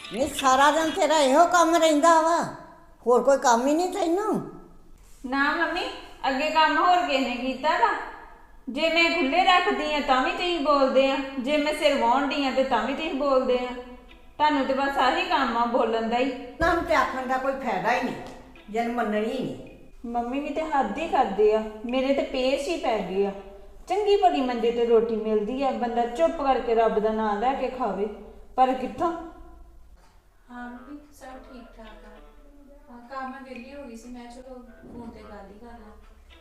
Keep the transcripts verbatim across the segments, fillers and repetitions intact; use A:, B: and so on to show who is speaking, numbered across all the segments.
A: ਨਹੀਂ ਸਾਰਾ ਦਿਨ ਤੇਰਾ ਇਹੋ ਕੰਮ ਰਹਿੰਦਾ ਵਾ, ਹੋਰ ਕੋਈ ਕੰਮ ਹੀ ਨਹੀਂ ਤੈਨੂੰ?
B: ਨਾ ਮੰਮੀ, ਅੱਗੇ ਕੰਮ ਹੋਰ ਕਿਸੇ ਨੇ ਕੀਤਾ ਵਾ? ਜੇ ਮੈਂ ਖੁੱਲੇ ਰੱਖਦੀ ਆ ਤਾਂ ਵੀ ਤੁਸੀਂ ਬੋਲਦੇ ਆ, ਜੇ ਮੈਂ ਸਿਰ ਵਾਹੁੰਦੀ ਆ ਤੇ ਤਾਂ ਵੀ ਤੁਸੀਂ ਬੋਲਦੇ ਆ। ਤੁਹਾਨੂੰ ਤੇ ਬਸ ਆਹੀ ਕੰਮ ਆ ਬੋਲਣ ਦਾ ਹੀ।
A: ਨਾ ਨੂੰ ਤੇ ਆਖਣ ਦਾ ਕੋਈ ਫਾਇਦਾ ਹੀ ਨਹੀਂ, ਜਨ ਮੰਨਣੀ ਹੀ ਨਹੀਂ।
B: ਮੰਮੀ ਵੀ ਤੇ ਹੱਦ ਹੀ ਕਰਦੇ ਆ, ਮੇਰੇ ਤੇ ਪੇਸ਼ ਹੀ ਪੈ ਗਏ ਆ। ਚੰਗੀ ਭਲੀ ਮੰਜੇ ਤੇ ਰੋਟੀ ਮਿਲਦੀ ਆ, ਬੰਦਾ ਚੁੱਪ ਕਰਕੇ ਰੱਬ ਦਾ ਨਾਮ ਲੈ ਕੇ ਖਾਵੇ, ਪਰ ਕਿੱਥੋਂ।
C: ਹਾਂ ਮੰਮੀ ਸਭ ਠੀਕ ਠਾਕ ਆ। ਹਾਂ ਕੰਮ ਮੈਂ ਵਿਹਲੀ ਹੋ ਗਈ ਸੀ, ਮੈਂ ਚਲੋ ਫੋਨ ਤੇ ਗੱਲ ਹੀ ਕਰ ਲਾਂ।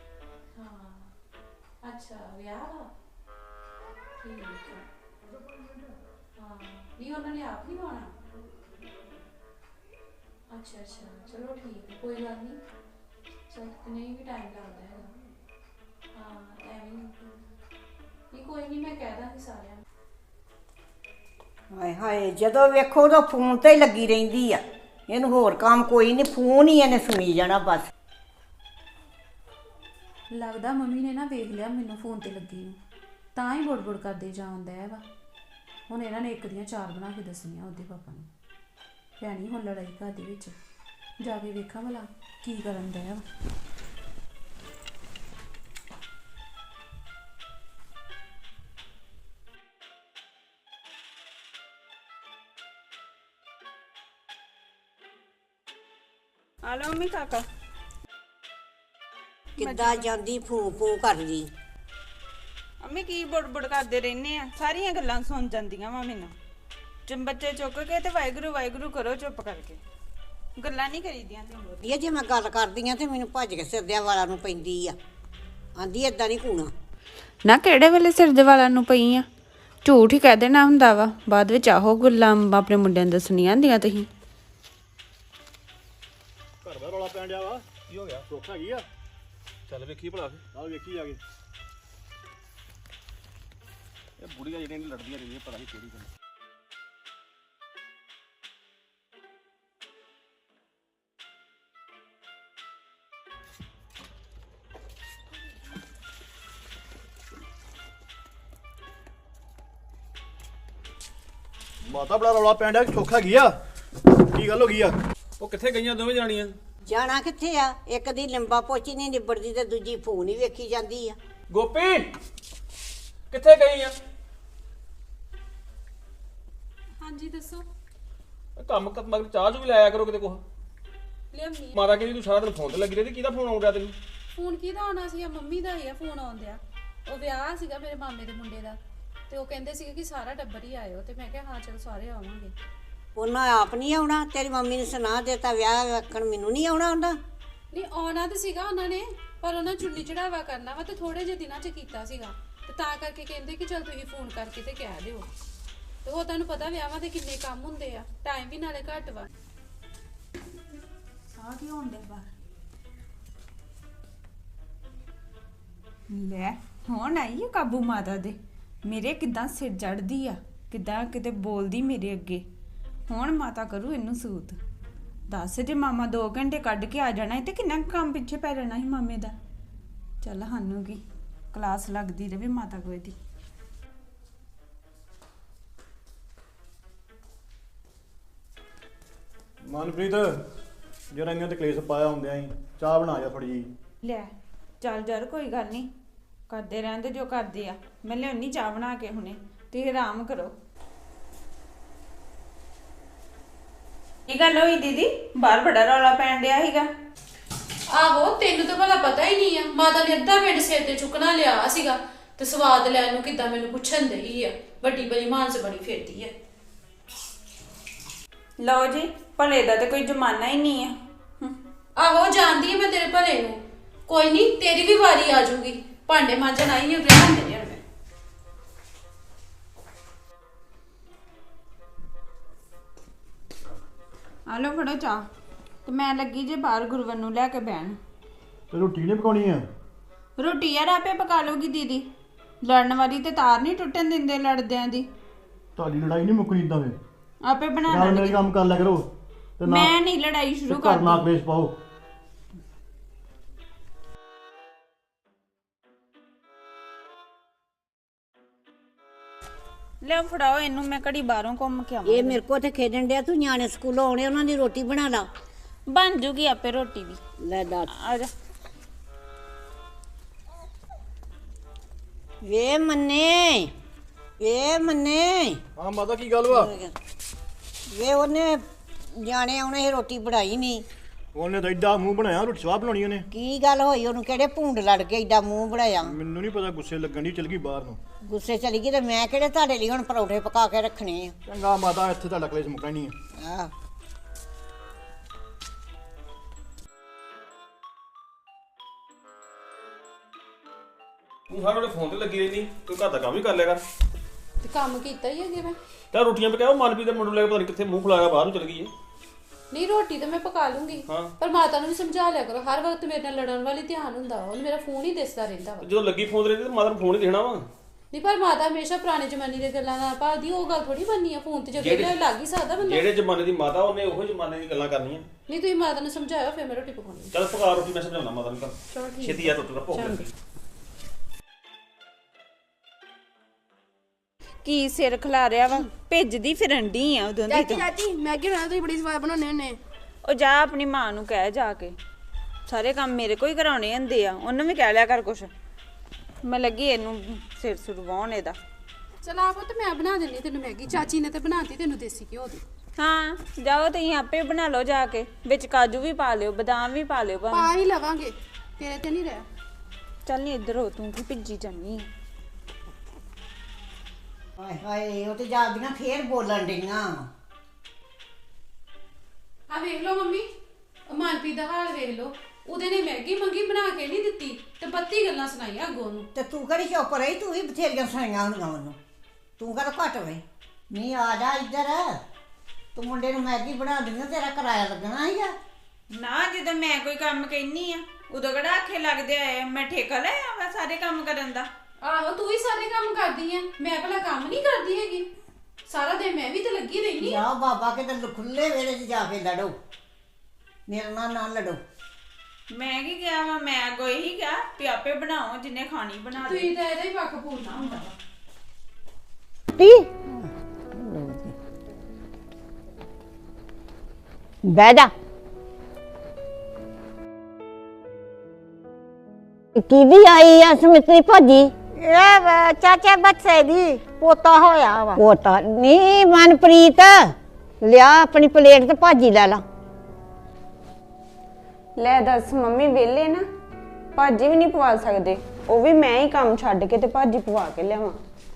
C: ਹਾਂ ਅੱਛਾ ਵਿਆਹ ਦਾ ਠੀਕ ਆ। ਹਾਂ ਨਹੀਂ ਉਹਨਾਂ ਨੇ ਆਪ ਨਹੀਂ ਆਉਣਾ। ਅੱਛਾ ਅੱਛਾ ਚਲੋ ਠੀਕ ਹੈ, ਕੋਈ ਗੱਲ ਨਹੀਂ। ਚਲ ਨਹੀਂ ਵੀ ਟਾਈਮ ਲੱਗਦਾ ਹੈਗਾ। ਹਾਂ ਐਵੇਂ ਨਹੀਂ, ਕੋਈ ਨਹੀਂ ਮੈਂ ਕਹਿ ਦਾਂਗੀ ਸਾਰਿਆਂ ਨੂੰ।
A: ਹਾਏ ਹਾਏ, ਜਦੋਂ ਵੇਖੋ ਉਦੋਂ ਫੋਨ ਤੇ ਹੀ ਲੱਗੀ ਰਹਿੰਦੀ ਆ। ਇਹਨੂੰ ਹੋਰ ਕੰਮ ਕੋਈ ਨਹੀਂ, ਫੋਨ ਹੀ ਇਹਨੇ ਸੁਣੀ ਜਾਣਾ ਬਸ।
C: ਲੱਗਦਾ ਮੰਮੀ ਨੇ ਨਾ ਵੇਖ ਲਿਆ ਮੈਨੂੰ ਫੋਨ ਤੇ ਲੱਗੀ ਨੂੰ, ਤਾਂ ਹੀ ਬੁੜ ਬੁੜ ਕਰਦੇ ਜਾਂਦਾ ਹੈ ਵਾ। ਹੁਣ ਇਹਨਾਂ ਨੇ ਇੱਕ ਦੀਆਂ ਚਾਰ ਬਣਾ ਕੇ ਦੱਸਣੀਆਂ ਉਹਦੇ ਪਾਪਾ ਨੂੰ। ਭੈਣੀ ਹੁਣ ਲੜਾਈ ਘਰ ਦੇ ਵਿੱਚ, ਜਾ ਕੇ ਵੇਖਾਂ ਭਲਾ ਕੀ ਕਰਨ ਦਾ ਵਾ।
B: ਆ ਲਓ ਮੰਮੀ ਕਾਕਾ।
A: ਕਿੱਦਾਂ ਜਾਂਦੀ ਫੂ ਫੂ ਕਰਦੀ।
B: ਮੰਮੀ ਕੀ ਬੁੜਬੁੜ ਕਰਦੇ ਰਹਿੰਦੇ ਆ, ਸਾਰੀਆਂ ਗੱਲਾਂ ਸੁਣ ਜਾਂਦੀਆਂ ਵਾ ਮੈਨੂੰ। ਜਦ ਬੱਚੇ ਚੁੱਕ ਕੇ ਤੇ ਵਾਹਿਗੁਰੂ ਵਾਹਿਗੁਰੂ ਕਰੋ ਚੁੱਪ ਕਰਕੇ, ਗੱਲਾਂ ਨਹੀਂ ਕਰੀਦੀਆਂ।
A: ਇਹ ਜੇ ਮੈਂ ਗੱਲ ਕਰਦੀ ਆ ਤੇ ਮੈਨੂੰ ਭੱਜ ਕੇ ਸਿਰਦਿਆਂ ਵਾਲਾ ਨੂੰ ਪੈਂਦੀ ਆ, ਆਂਦੀ ਏਦਾਂ ਨਹੀਂ ਕੂਣਾ।
D: ਨਾ ਕਿਹੜੇ ਵੇਲੇ ਸਿਰ ਦੇ ਵਾਲਾਂ ਨੂੰ ਪਈ ਆ? ਝੂਠ ਹੀ ਕਹਿ ਦੇਣਾ ਹੁੰਦਾ ਵਾ, ਬਾਅਦ ਵਿੱਚ ਆਹੋ ਗੱਲਾਂ ਆਪਣੇ ਮੁੰਡਿਆਂ ਨੂੰ ਦੱਸਣੀਆਂ ਹੁੰਦੀਆਂ ਤੁਸੀਂ।
E: ਘਰ ਦਾ ਰੌਲਾ ਪੈਣ ਡਿਆ ਵਾ, ਕੀ ਹੋ ਗਿਆ? ਸੁੱਖ ਹੈਗੀ ਆ? ਚੱਲ ਵੇਖੀ ਭਲਾ ਫਿਰ, ਨਾਲ ਵੇਖੀ ਜਾ ਕੇ। ਇਹ ਬੁੜੀਆਂ ਜਿਹੜੀਆਂ ਲੜਦੀਆਂ ਰਹਿੰਦੀਆਂ, ਪਤਾ ਨਹੀਂ ਕਿਹੜੀ ਗੱਲ। ਮਾਤਾ ਬੜਾ ਰੌਲਾ ਪੈਣ ਡਿਆ, ਸੁੱਖ ਹੈਗੀ ਆ? ਕੀ ਗੱਲ ਹੋ ਗਈ ਆ? ਉਹ ਕਿੱਥੇ ਗਈਆਂ ਦੋਵੇਂ ਜਾਣੀਆਂ?
A: ਜਾਣਾ ਕਿੱਥੇ ਆ? ਇੱਕ ਦੀ ਲੰਬਾ ਪੋਚੀ ਨਹੀਂ ਨਿਬੜਦੀ ਤੇ ਦੂਜੀ ਫੋਨ ਹੀ ਵੇਖੀ ਜਾਂਦੀ ਆ।
E: ਗੋਪੀ ਕਿੱਥੇ ਗਈ ਆ?
C: ਹਾਂਜੀ ਦੱਸੋ।
E: ਕੰਮ ਕਰ ਮਗਰ ਚਾਹ ਚੂ ਵੀ ਲਾਇਆ ਕਰੋ ਕਿਤੇ ਕੁਛ।
C: ਲਿਆਮੀ
E: ਮਾਤਾ ਕਹਿੰਦੀ ਤੂੰ ਸਾਰਾ ਦਿਨ ਫੋਨ ਤੇ ਲੱਗੀ ਰਹਿੰਦੀ, ਕਿਹਦਾ ਫੋਨ ਆਉਣ ਡਿਆ ਤੈਨੂੰ?
C: ਫੋਨ ਕਿਹਦਾ ਆਉਣਾ ਸੀਗਾ? ਮੰਮੀ ਦਾ ਹੀ ਆ ਫੋਨ ਆਉਂਦਿਆ। ਉਹ ਵਿਆਹ ਸੀਗਾ ਮੇਰੇ ਮਾਮੇ ਦੇ ਮੁੰਡੇ ਦਾ, ਤੇ ਉਹ ਕਹਿੰਦੇ ਸੀਗੇ ਕਿ ਸਾਰਾ ਟੱਬਰ ਹੀ ਆਇਓ, ਤੇ ਮੈਂ ਕਿਹਾ ਹਾਂ ਚਲੋ ਸਾਰੇ ਆਵਾਂਗੇ।
A: ਉਹਨਾਂ ਆਪ ਨਹੀਂ ਆਉਣਾ? ਤੇਰੀ ਮੰਮੀ ਨੇ ਸੁਣਾ ਦਿੱਤਾ ਵਿਆਹ ਵੇਖਣ, ਮੈਨੂੰ ਨਹੀਂ ਆਉਣਾ ਹੁੰਦਾ?
C: ਨਹੀਂ ਆਉਣਾ ਤਾਂ ਸੀਗਾ ਉਹਨਾਂ ਨੇ, ਪਰ ਉਹਨਾਂ ਚੁੰਨੀ ਚੜਾਵਾ ਕਰਨਾ ਵਾ ਤੇ ਥੋੜੇ ਜਿਹੇ ਦਿਨਾਂ 'ਚ ਕੀਤਾ ਸੀਗਾ, ਤੇ ਤਾਂ ਕਰਕੇ ਕਹਿੰਦੇ ਕਿ ਚਲ ਤੁਸੀਂ ਫੋਨ ਕਰਕੇ ਤੇ ਕਹਿ ਦਿਓ। ਤੇ ਉਹ ਤੁਹਾਨੂੰ ਪਤਾ ਵਿਆਹਾਂ ਦੇ ਕਿੰਨੇ ਕੰਮ ਹੁੰਦੇ ਆ, ਟਾਈਮ ਵੀ ਨਾਲੇ ਘੱਟ ਵਾ।
B: ਆ ਕੀ ਹੋਣ ਡਿਆ ਬਾਹਰ? ਲੈ ਹੁਣ ਆਈ ਆ ਕਾਬੂ ਮਾਤਾ ਦੇ। ਮੇਰੇ ਕਿਦਾਂ ਸਿਰ ਚੜਦੀ ਆ, ਕਿਦਾਂ ਕਿਤੇ ਬੋਲਦੀ ਮੇਰੇ ਅੱਗੇ। ਹੁਣ ਮਾਤਾ ਕਰੂ ਇਹਨੂੰ ਸੂਤ। ਦੱਸ ਜੇ ਮਾਮਾ ਦੋ ਘੰਟੇ ਕੱਢ ਕੇ ਆ ਜਾਣਾ ਤੇ ਕਿੰਨਾ ਕੰਮ ਪਿੱਛੇ ਪੈ ਜਾਣਾ ਸੀ ਮਾਮੇ ਦਾ। ਚੱਲ ਸਾਨੂੰ ਕੀ, ਕਲਾਸ ਲੱਗਦੀ ਰਵੇ ਮਾਤਾ ਕੋਈ ਦੀ।
E: ਮਨਪ੍ਰੀਤ ਜਰਾਈਆਂ ਤੇ ਕਲੇਸ਼ ਪਾਇਆ ਹੁੰਦਿਆਂ ਹੀ, ਚਾਹ ਬਣਾ ਜਾ ਥੋੜੀ ਜੀ।
B: ਲੈ ਚੱਲ ਯਾਰ ਕੋਈ ਗੱਲ ਨਹੀਂ, ਕਰਦੇ ਰਹਿੰਦੇ ਜੋ ਕਰਦੇ ਆ। ਮੈਂ ਲਿਆਉਣੀ ਚਾਹ ਬਣਾ ਕੇ ਹੁਣੇ, ਤੁਸੀਂ ਆਰਾਮ ਕਰੋ। ਕੀ ਗੱਲ ਹੋਈ ਦੀਦੀ? ਬਾਹਰ ਬੜਾ ਰੌਲਾ ਪੈਣ ਡਿਆ ਸੀਗਾ।
C: ਆਹੋ ਤੈਨੂੰ ਤਾਂ ਭਲਾ ਪਤਾ ਹੀ ਨਹੀਂ ਆ, ਮਾਤਾ ਨੇ ਅੱਧਾ ਪਿੰਡ ਸਿਰ ਤੇ ਚੁੱਕਣਾ ਲਿਆ ਸੀਗਾ, ਤੇ ਸਵਾਦ ਲੈਣ ਨੂੰ ਕਿੱਦਾਂ ਮੈਨੂੰ ਪੁੱਛਣ ਦਈ ਆ। ਵੱਡੀ ਬੜੀ ਮਾਨਸ ਬਣੀ ਫਿਰਦੀ ਆ।
B: ਲਓ ਜੀ, ਭਲੇ ਦਾ ਤਾਂ ਕੋਈ ਜ਼ਮਾਨਾ ਹੀ ਨਹੀਂ ਆ। ਹਮ,
C: ਆਹੋ ਜਾਣਦੀ ਆ ਮੈਂ ਤੇਰੇ ਭਲੇ ਨੂੰ, ਕੋਈ ਨਹੀਂ ਤੇਰੀ ਵੀ ਵਾਰੀ ਆ ਜਾਊਗੀ। ਭਾਂਡੇ ਮਾਂਜਣ ਆਈ ਹਾਂ, ਰਹਿਣ ਦੇ ਯਾਰ। ਮੈਂ
B: ਆ ਲਓ ਫੜੋ ਚਾਹ, ਤੇ ਮੈਂ ਲੱਗੀ ਜੇ ਬਾਹਰ ਗੁਰਵਰ ਨੂੰ ਲੈ ਕੇ ਬਹਿਣ।
E: ਤੇ ਰੋਟੀ ਨਹੀਂ ਪਕਾਉਣੀ ਆ?
B: ਰੋਟੀ ਯਾਰ ਆਪੇ ਪਕਾ ਲਊਗੀ ਦੀਦੀ, ਲੜਨ ਵਾਲੀ ਤੇ ਤਾਰ ਨਹੀਂ ਟੁੱਟਣ ਦਿੰਦੇ ਲੜਦਿਆਂ ਦੀ।
E: ਤੁਹਾਡੀ ਲੜਾਈ ਨਹੀਂ ਮੁੱਕਣੀ ਇਦਾਂ ਵੇ।
B: ਆਪੇ ਬਣਾ
E: ਨਾਲ ਮੇਰੇ
B: ਲੈਣਗੇ।
E: ਕੰਮ ਕਰ ਲਿਆ ਕਰੋ ਤੇ ਨਾ
B: ਮੈਂ ਨਹੀਂ ਲੜਾਈ ਸ਼ੁਰੂ
E: ਘਰ ਨਾ
B: ਕਰਦੀ।
E: ਕਲੇਸ਼ ਪਾਓ।
B: ਲੈ ਫੜਾਓ ਇਹਨੂੰ, ਮੈਂ ਘੜੀ ਬਾਹਰੋਂ ਘੁੰਮ ਕੇ ਆਵਾਂ।
A: ਇਹ ਮੇਰੇ ਕੋਲ ਤੇ ਖੇਡਣ ਡਿਆ, ਤੂੰ ਨਿਆਣੇ ਸਕੂਲੋਂ ਆਉਣੇ ਉਹਨਾਂ ਦੀ ਰੋਟੀ ਬਣਾ ਲਾ।
B: ਬਣ ਜੂਗੀ ਆਪੇ ਰੋਟੀ ਵੀ।
A: ਲੈ ਦੱਸ।
B: ਆ ਜਾ।
A: ਵੇ ਮੰਨੇ, ਵੇ ਮੰਨੇ,
E: ਹਾਂ ਮਾਤਾ ਕੀ ਗੱਲ ਵਾ?
A: ਵੇ ਉਹਨੇ ਨਿਆਣੇ ਆਉਣੇ ਸੀ, ਰੋਟੀ ਬਣਾਈ ਨਹੀਂ।
E: ਉਹਨੇ ਤਾਂ ਐਡਾ ਮੂੰਹ ਬਣਾਇਆ, ਰੋਟੀ ਸਵਾਹ ਬਣਾਉਣੀ ਉਹਨੇ।
A: ਕੀ ਗੱਲ ਹੋਈ ਉਹਨੂੰ? ਕਿਹੜੇ ਭੂੰਡ ਲੜ ਕੇ ਏਡਾ ਮੂੰਹ ਬਣਾਇਆ?
E: ਮੈਨੂੰ ਨਹੀਂ ਪਤਾ, ਗੁੱਸੇ ਲੱਗਣ ਦੀ ਚਲ ਗਈ ਬਾਹਰ ਨੂੰ।
A: ਗੁੱਸੇ ਚਲੀ ਗਈ ਤੇ ਮੈਂ ਕਿਹੜੇ ਤੁਹਾਡੇ ਲਈ ਹੁਣ ਪਰੌਠੇ ਪਕਾ ਕੇ ਰੱਖਣੇ ਆ?
E: ਚੰਗਾ ਮਾਤਾ, ਇੱਥੇ ਤੁਹਾਡਾ ਕਲੇਸ਼ ਮੁੱਕਣਾ ਨਹੀਂ ਆ।
A: ਆਹ
F: ਤੂੰ ਹਰ ਵੇਲੇ ਫੋਨ ਤੇ ਲੱਗੀ ਰਹਿੰਦੀ, ਕੋਈ ਘਰ ਦਾ ਕੰਮ ਵੀ ਕਰ ਲਿਆ ਕਰ।
C: ਤੇ ਕੰਮ ਕੀਤਾ ਹੀ ਅੱਗੇ ਮੈਂ।
F: ਤਾਂ ਰੋਟੀਆਂ ਪਕਾਓ, ਮਨਪ੍ਰੀਤ ਦੇ ਮੁੰਡੇ ਨੂੰ ਲੈ ਕੇ ਪਤਾ ਨਹੀਂ ਕਿੱਥੇ ਮੂੰਹ ਫੁਲਾਇਆ ਬਾਹਰ ਨੂੰ ਚਲ ਗਈ ਏ।
C: ਨਹੀਂ ਰੋਟੀ ਤਾਂ ਮੈਂ ਪਕਾ ਲੂੰਗੀ,
F: ਹਾਂ।
C: ਪਰ ਮਾਤਾ ਨੂੰ ਵੀ ਸਮਝਾ ਲਿਆ ਕਰੋ, ਹਰ ਵਕਤ ਮੇਰੇ ਨਾਲ ਲੜਨ ਵਾਲੀ ਧਿਆਨ ਹੁੰਦਾ ਵਾ, ਉਹਨੂੰ ਮੇਰਾ ਫੋਨ ਹੀ ਦਿਸਦਾ ਰਹਿੰਦਾ ਵਾ।
F: ਜਦੋਂ ਲੱਗੀ ਫੋਨ ਤੇ ਰਹਿੰਦੀ ਤਾਂ ਮਾਤਾ ਨੂੰ ਫੋਨ ਹੀ ਦੇਣਾ ਵਾ।
C: ਨਹੀਂ ਪਰ ਮਾਤਾ ਹਮੇਸ਼ਾ ਪੁਰਾਣੇ ਜ਼ਮਾਨੇ ਦੀਆਂ ਗੱਲਾਂ ਨਾਲ ਭਾਲਦੀ, ਉਹ ਗੱਲ ਥੋੜੀ ਬਣਨੀ ਆ। ਫੋਨ ਤੇ ਜਦੋਂ
F: ਜਿਹੜੀ-
C: ਲੱਗ ਹੀ ਸਕਦਾ ਬੰਦਾ।
F: ਜਿਹੜੇ ਜ਼ਮਾਨੇ ਦੀ ਮਾਤਾ ਉਹਨੇ ਉਹੋ ਜ਼ਮਾਨੇ ਦੀ ਗੱਲਾਂ ਕਰਨੀਆਂ।
C: ਨਹੀਂ ਤੁਸੀਂ ਮਾਤਾ ਨੂੰ ਸਮਝਾਇਓ, ਫਿਰ ਮੈਂ ਰੋਟੀ ਪਕਾਉਣੀ।
F: ਚੱਲ ਪਕਾ ਰੋਟੀ, ਮੈਂ ਸਮਝਾਉਣਾ ਮਾਤਾ ਨੂੰ।
C: ਚਲੋ
F: ਕਰ
C: ਠੀਕ।
F: ਛੇਤੀ ਆ, ਟੁੱਟ ਭੁੱਖ ਲੱਗੀ।
B: ਕੀ ਸਿਰ ਖਿਲਾ ਰਿਆ ਵਾ? ਭੇਜਦੀ ਫਿਰਨ ਡਈ ਆ ਉਦੋਂ ਦੀ
G: ਚਾਚੀ
B: ਤੂੰ।
G: ਚਾਚੀ ਮੈਗੀ ਬਣਾ ਤੁਸੀਂ ਬੜੀ ਸਵਾਦ ਬਣਾਉਂਦੇ ਹੁੰਦੇ।
B: ਉਹ ਜਾ ਆਪਣੀ ਮਾਂ ਨੂੰ ਕਹਿ ਜਾ ਕੇ, ਸਾਰੇ ਕੰਮ ਮੇਰੇ ਕੋਈ ਕਰਾਉਣੇ ਹੁੰਦੇ ਆ। ਉਹਨੂੰ ਵੀ ਕਹਿ ਲਿਆ ਕਰ ਕੁਛ। ਮੈਂ ਲੱਗੀ ਇਹਨੂੰ ਸਿਰ ਸੁਰਵਾਉਣ ਇਹਦਾ।
C: ਚਲ ਆਪੋ ਤੇ ਮੈਂ ਬਣਾ ਦਿੰਨੀ ਤੈਨੂੰ ਮੈਗੀ। ਚਾਚੀ ਨੇ ਤੇ ਬਣਾਤੀ ਤੈਨੂੰ ਦੇਸੀ ਘਿਓ ਦੀ।
B: ਹਾਂ ਜਾਓ ਤੁਸੀਂ ਆਪੇ ਬਣਾ ਲਓ ਜਾ ਕੇ, ਵਿੱਚ ਕਾਜੂ ਵੀ ਪਾ ਲਿਓ, ਬਦਾਮ ਵੀ ਪਾ ਲਿਓ ਭਾਵੇਂ।
C: ਪਾ ਹੀ ਲਵਾਂਗੇ, ਤੇਰੇ ਤੇ ਨਹੀਂ ਰਿਹਾ।
B: ਚੱਲ ਨੀ ਇੱਧਰ ਹੋ, ਤੂੰ ਕੀ ਭਿੱਜੀ ਜਾਨੀ ਆ।
A: ਹਾਏ ਹਾਏ, ਉਹ ਤੇ ਜਾਂਦੀਆਂ ਫੇਰ ਬੋਲਣ ਡਈਆਂ।
C: ਆ ਵੇਖ ਲਓ ਮੰਮੀ, ਉਹ ਮਨਪ੍ਰੀਤ ਦਾ ਹਾਲ ਵੇਖ ਲਓ। ਉਹਦੇ ਨੇ ਮੈਗੀ ਮੰਗੀ, ਬਣਾ ਕੇ ਨਹੀਂ ਦਿੱਤੀ ਤੇ ਬੱਤੀ ਗੱਲਾਂ ਸੁਣਾਈਆਂ ਅੱਗੋਂ ਨੂੰ।
A: ਤੇ ਤੂੰ ਕਿਹੜੀ ਚੁੱਪ ਰਹੀ? ਤੂੰ ਵੀ ਬਥੇਰੀਆਂ ਸੁਣਾਈਆਂ ਹੁੰਦੀਆਂ ਉਹਨੂੰ। ਤੂੰ ਕਦੋਂ ਘੱਟ ਹੋਈ? ਨਹੀਂ ਆ ਜਾ ਇੱਧਰ, ਤੂੰ ਮੁੰਡੇ ਨੂੰ ਮੈਗੀ ਬਣਾ ਦਿੰਦਾ, ਤੇਰਾ ਕਿਰਾਇਆ ਲੱਗਣਾ ਸੀਗਾ।
B: ਨਾ ਜਦੋਂ ਮੈਂ ਕੋਈ ਕੰਮ ਕਹਿਨੀ ਆ ਉਦੋਂ ਕਿਹੜਾ ਆਖੇ ਲੱਗਦੇ ਆ? ਮੈਂ ਠੇਕਾ ਲਿਆ ਵਾ ਸਾਰੇ ਕੰਮ ਕਰਨ ਦਾ।
C: ਆਹੋ ਤੂੰ ਹੀ ਸਾਰੇ ਕੰਮ ਕਰਦੀ ਐ, ਮੈਂ ਭਲਾ ਕੰਮ ਨਹੀਂ ਕਰਦੀ ਹੈਗੀ? ਸਾਰਾ ਦਿਨ ਮੈਂ ਵੀ ਤੇ ਲੱਗੀ ਰਹਿਨੀ ਆ।
A: ਜਾ ਬਾਬਾ ਕਿਤੇ ਖੁੱਲੇ ਵੇਲੇ 'ਚ ਜਾ ਕੇ ਲੜੋ, ਮੇਰੇ ਨਾਲ ਨਾ ਲੜੋ।
B: ਮੈਂ ਕੀ ਕਿਹਾ ਵਾ? ਮੈਂ ਅੱਗੋਂ ਇਹੀ ਕਿਹਾ ਵੀ ਆਪੇ ਬਣਾਓ, ਜਿੰਨੇ ਖਾਣੀ ਬਣਾ ਲਓ।
C: ਤੁਸੀਂ ਤਾਂ ਇਹਦਾ ਹੀ ਪੱਖ ਪੂਰਨਾ ਹੁੰਦਾ ਵਾ।
A: ਬਹਿ ਜਾ। ਕਿਹਦੀ ਆਈ ਆ ਸਮਿਤਰੀ ਭਾਜੀ?
H: ਇਹ ਚਾਚੇ ਬੱਚੇ ਦੀ ਪੋਤਾ ਹੋਇਆ ਵਾ।
A: ਪੋਤਾ ਨਹੀਂ ਮਨਪ੍ਰੀਤ, ਲਿਆ ਆਪਣੀ ਪਲੇਟ ਤੇ ਭਾਜੀ ਲੈ ਲਾ।
D: ਲੈ ਦੱਸ ਮੰਮੀ, ਵਿਹਲੇ ਨਾ, ਭਾਜੀ ਵੀ ਨਹੀਂ ਪਵਾ ਸਕਦੇ। ਉਹ ਵੀ ਮੈਂ ਹੀ ਕੰਮ ਛੱਡ ਕੇ ਤੇ ਭਾਜੀ ਪਵਾ ਕੇ ਲਿਆਵਾਂ।